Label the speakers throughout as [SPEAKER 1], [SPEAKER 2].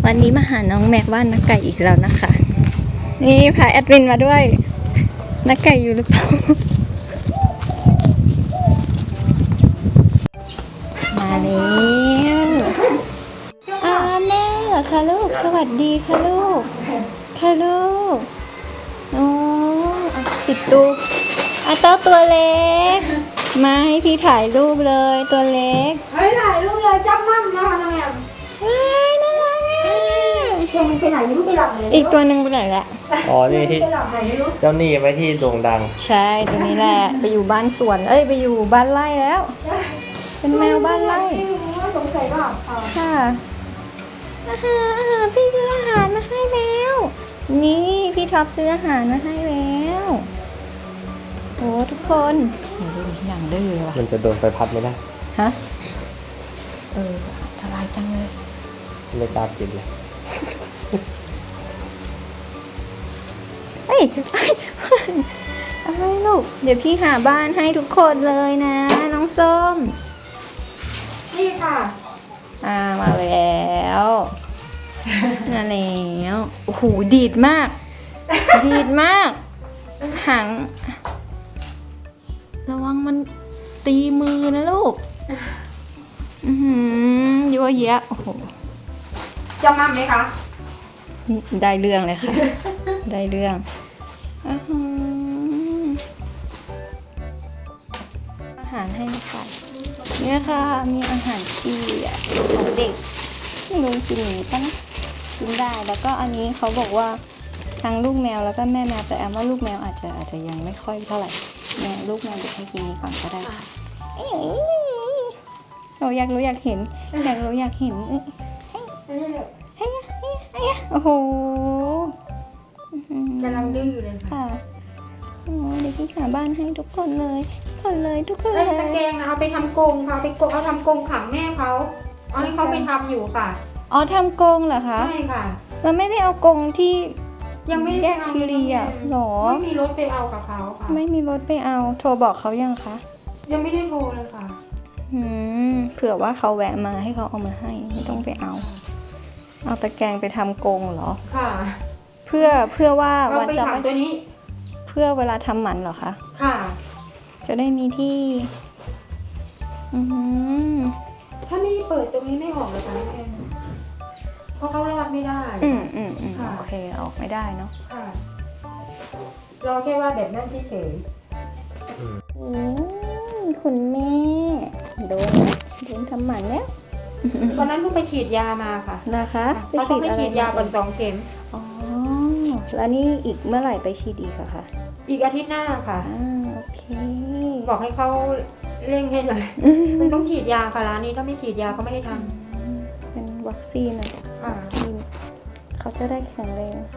[SPEAKER 1] วันนี้มาหาน้องแม็กบ้านนักไก่อีกแล้วนะคะ นี่พาแอดมินมาด้วยนักไก่อยู่หรือเปล่า มาแล้วแม่เหรอคะลูกสวัสดีค่ะลูกค่ะลูกโอ้ปิดตู้เต้าตัวเล็กมาให้พี่ถ่ายรูปเลยตัวเล็ก
[SPEAKER 2] เฮ้ยถ่ายรูปเลยจับมั่มนะคะน้องแอม
[SPEAKER 1] ว้ายน่ารักอ่ะ
[SPEAKER 2] ตัวมันไปไหนไม่รู้ไปหลับเลย
[SPEAKER 1] อีกตัวหนึ่งไปไหนละ
[SPEAKER 3] อ๋อนี่ที่
[SPEAKER 2] ไปหลับไหนไม่รู้
[SPEAKER 3] เจ้าหนี้ไว้ที่โด่งดัง
[SPEAKER 1] ใช่ตัวนี้แหละไปอยู่บ้านสวนไปอยู่บ้านไร่แล้ว เป็นแมวบ้านไร่
[SPEAKER 2] ไม่รู้ว่าสงสัยว่า
[SPEAKER 1] ค่ะอาหารพี่ซื้ออาหารมาให้แล้วนี่พี่ท็อปซื้ออาหารมาให้แล้วโอ้ทุกคนดูอย่างดื้อว่ะ
[SPEAKER 3] มันจะโดนไฟพัดไม่ได้
[SPEAKER 1] ฮะอันตรายจังเลย
[SPEAKER 3] ไม่กล้ากินเลย
[SPEAKER 1] อะไรลูกเดี๋ยวพี่หาบ้านให้ทุกคนเลยนะน้องส้ม
[SPEAKER 2] นี่ค่ะ
[SPEAKER 1] มาแล้วมาแล้วโอ้โหดีดมากดีดมากหางระวังมันตีมือนะลูกเยอะแยะโอ้โห
[SPEAKER 2] จับมั่มไหมคะ
[SPEAKER 1] ได้เรื่องเลยค่ะ ได้เรื่องอาหารให้ค่ะเนี่ยค่ะมีอาหารที่ของเด็กไม่รู้กินหรือเปล่านะกินได้แล้วก็อันนี้เขาบอกว่าทั้งลูกแมวแล้วก็แม่แมวแต่แอมว่าลูกแมวอาจจะยังไม่ค่อยเท่าไหร่เนี่ยลูกแมวเด็กให้กินนี้ก่อนก็ได้เราอยากรู้อยากเห็นอยากรู้อยากเห็นโอ้โห
[SPEAKER 2] กำลังดื้อเลยค่ะ
[SPEAKER 1] โอ้เดี๋ยวพี่หาบ้านให้ทุกคนเลยทุกคนเลย
[SPEAKER 2] ตะแกรงเอาไปทำกรงค่ะเอาทำกรงขังแม่เขาเอาให้เขาไปทำอยู่ค่ะ
[SPEAKER 1] อ๋อทำกรงเหรอคะ
[SPEAKER 2] ใช่ค่ะ
[SPEAKER 1] เราไม่ได้เอากรงที่
[SPEAKER 2] ยังไม่
[SPEAKER 1] แย
[SPEAKER 2] ได้
[SPEAKER 1] ก
[SPEAKER 2] เอา
[SPEAKER 1] คิรีอ่ะหรอ
[SPEAKER 2] ไม่มีรถไปเอากับเขาค่ะ
[SPEAKER 1] ไม่มีรถไปเอาโทรบอกเขายังคะ
[SPEAKER 2] ยังไม่ได้โทรเลยค่ะ
[SPEAKER 1] เผื่อว่าเขาแวะมาให้เขาเอามาให้ไม่ต้องไปเอาตะแกรงไปทำกรงเหรอ
[SPEAKER 2] ค่ะ
[SPEAKER 1] เพื่อว่า
[SPEAKER 2] เอา
[SPEAKER 1] วัน
[SPEAKER 2] ไป
[SPEAKER 1] จะ
[SPEAKER 2] ขังตัวนี้
[SPEAKER 1] เพื่อเวลาทำหมันเหรอคะ
[SPEAKER 2] ค่ะ
[SPEAKER 1] จะได้มีที่
[SPEAKER 2] ถ้าไม่ได้เปิดตรงนี้ไม่ออกเลยค่ะน้องแอมเพราะเขารอดไม่ได้ ค่ะ
[SPEAKER 1] โอเคออกไม่ได้เนาะ
[SPEAKER 2] ค่ะ รอแค่ว่าแบบนั้นเฉย
[SPEAKER 1] คุณแม่โดนทำหมันแล้ว
[SPEAKER 2] ๆตอนนั้นเพิ่งไปฉีดยามาค่ะ
[SPEAKER 1] นะคะ
[SPEAKER 2] เขาต้องไปฉีดยาก่อน2 เข็ม
[SPEAKER 1] อ๋อแล้วนี่อีกเมื่อไหร่ไปฉีดอีกอะคะ
[SPEAKER 2] อีกอาทิตย์หน้าค่ะ
[SPEAKER 1] โอเค
[SPEAKER 2] บอกให้เขาเร่งให้หน่อยมันต้องฉีดยาค่ะร้านนี้ถ้าไม่ฉีดยาเขาไม่ให้ท
[SPEAKER 1] เป็นวัคซีนอะ
[SPEAKER 2] ำค่ะ
[SPEAKER 1] วัคซีนเขาจะได้แข็งแรง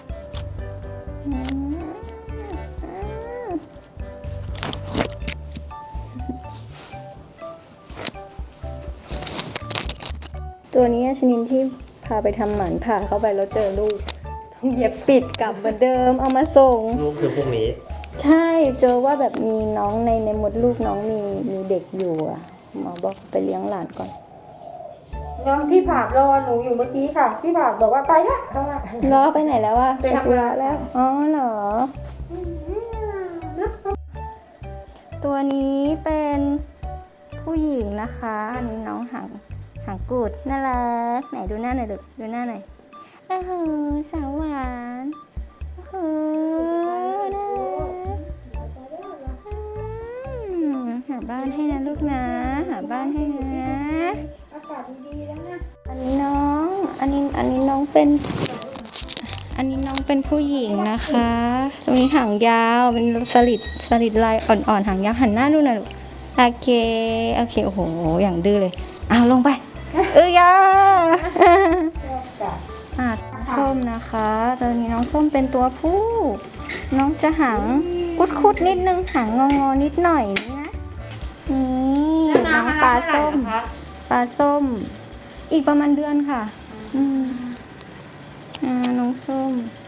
[SPEAKER 1] ตัวนี้ชนิดที่พาไปทำหมันผ่าเข้าไปแล้วเจอลูกต้องเย็บปิดกลับเหมือนเดิมเอามาส่ง
[SPEAKER 3] ลูกคือพวกนี้
[SPEAKER 1] ใช่เจอว่าแบบมีน้องในมดลูกน้องมีเด็กอยู่อ่ะหมอบอกไปเลี้ยงหลานก่อน
[SPEAKER 2] น้องพี่ผากรอหนูอยู่เมื่อกี้ค่ะ พี่ผากบอกว่าไปละเขาว่า
[SPEAKER 1] ล้อไปไหนแล้ววะ
[SPEAKER 2] ไปทำงาน
[SPEAKER 1] แล้วอ๋อเหรอตัวนี้เป็นผู้หญิงนะคะอันนี้น้องหางกูดน่ารักไหนดูหน้าหน่อยดูหน้าหน่อยโอ้โหสาวหวานโอ้โหน่ารักหาบ้านให้นะลูกนะหาบ้านให้นะ
[SPEAKER 2] อากาศดีๆแล้วนะ
[SPEAKER 1] อันนี้น้องเป็นผู้หญิงนะคะตรงนี้หางยาวเป็นสลิดลายอ่อนๆหางยาวหันหน้าดูหน่อยลูกโอเคโอ้โหอย่างดื้อเลยลงไปยาส้มนะคะตอนนี้น้องส้มเป็นตัวผู้น้องจะหางคุดนิดนึงหางงอนิดหน่อยนะนี่น้องปลาส้มอีกประมาณเดือนค่ะน้องส้ม